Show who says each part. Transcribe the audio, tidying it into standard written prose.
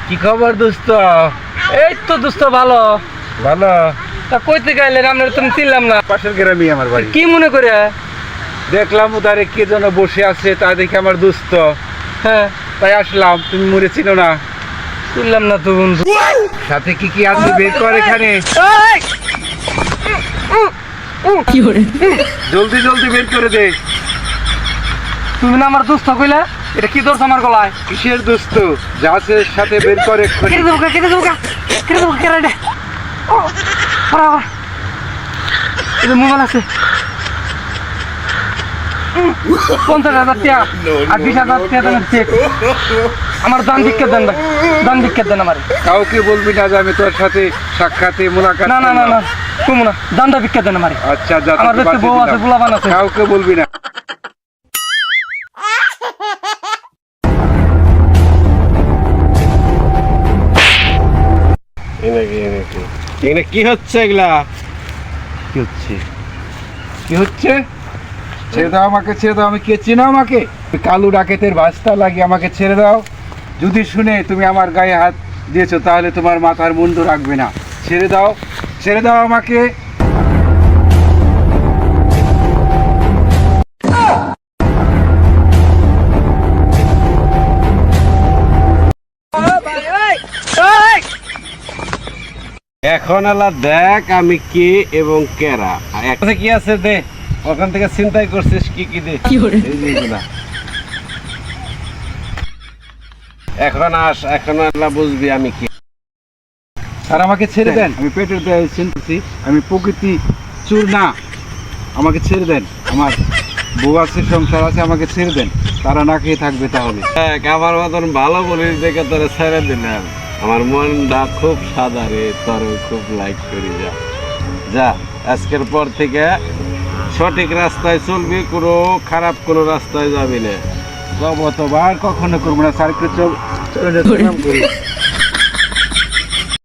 Speaker 1: কি খবর দোস্ত?
Speaker 2: এই তো দোস্ত ভালো।
Speaker 1: ভালো।
Speaker 2: তা কইতে গেলেন আপনার তুমি চিনলাম না।
Speaker 1: পাশের গ্রামে আমার বাড়ি।
Speaker 2: কি মনে করে?
Speaker 1: দেখলাম ওদারে কে যেন বসে আছে, তা দেখে আমার দোস্ত,
Speaker 2: হ্যাঁ
Speaker 1: তাই আসলাম। তুমি মরে চিনো না?
Speaker 2: চিনলাম না তো বন্ধু।
Speaker 1: সাথে কি কি আছে বের কর এখানে। জলদি জলদি বের করে দে।
Speaker 2: তুমি না আমার দোস্ত কইলা? এটা কি দোষ আমার গলায়?
Speaker 1: কিসের দোস্ত? যা আছে এর সাথে বের কর এক্ষুনি।
Speaker 2: কেটে দেবো কেটে দেবো কেটে দেবো কেটে এটা মোবাইল আছে 50,000 টাকা আর 20,000 টাকা দামের চেক। আমার দান ভিক্ষা দেন ভাই, দান ভিক্ষা দেন আমার।
Speaker 1: কাউকে বলবি না যে আমি তোর সাথে সাক্ষাতে মোলাকাত
Speaker 2: না না না
Speaker 1: করলাম।
Speaker 2: না তুমি না, দানটা ভিক্ষা দেন আমার।
Speaker 1: আচ্ছা যা,
Speaker 2: আমার
Speaker 1: তোকে
Speaker 2: দেখতে বউ
Speaker 1: বাঁচিয়ে
Speaker 2: আছে,
Speaker 1: দিলাম।
Speaker 2: পোলাপান আছে।
Speaker 1: কাউকে বলবি না। এখানে কি হচ্ছে? এগুলা কি হচ্ছে? কি হচ্ছে? ছেড়ে দাও আমাকে, ছেড়ে দাও। আমি কে চিনো আমাকে? কালু ডাকেতের বাস্তা লাগি, আমাকে ছেড়ে দাও। যদি শুনে তুমি আমার গায়ে হাত দিয়েছো তাহলে তোমার মাথার মুন্ডু রাখবে না। ছেড়ে দাও, ছেড়ে দাও আমাকে। এখন আলা দেখ আমি কে এবং কেরা। একটা কি আছে দে, ওখান থেকে চিন্তাই করছিস কি কি দে। এই যে এগুলা। এখন আস, এখন আল্লাহ বুঝবি আমি কি। স্যার আমাকে ছেড়ে দেন, আমি পেটের দায়ে চিনতেছি, আমি প্রকৃতি চুর না। আমাকে ছেড়ে দেন, আমার বউ আছে, সংসার আছে, আমাকে ছেড়ে দেন। তারা না খেয়ে থাকবে তাহলে।
Speaker 3: আমার মতন ভালো বলিস দেখে তোরে ছেড়ে দিলাম। আমার মনটা খুব সাদা রে, তোর খুব লাইক করি। যা যা, আজকের পর থেকে সঠিক রাস্তায় চলবি, কোনো খারাপ কোনো রাস্তায় যাবি না।
Speaker 1: অতবার কখনো করবো না স্যার, একটু চল চলে যেতে করি।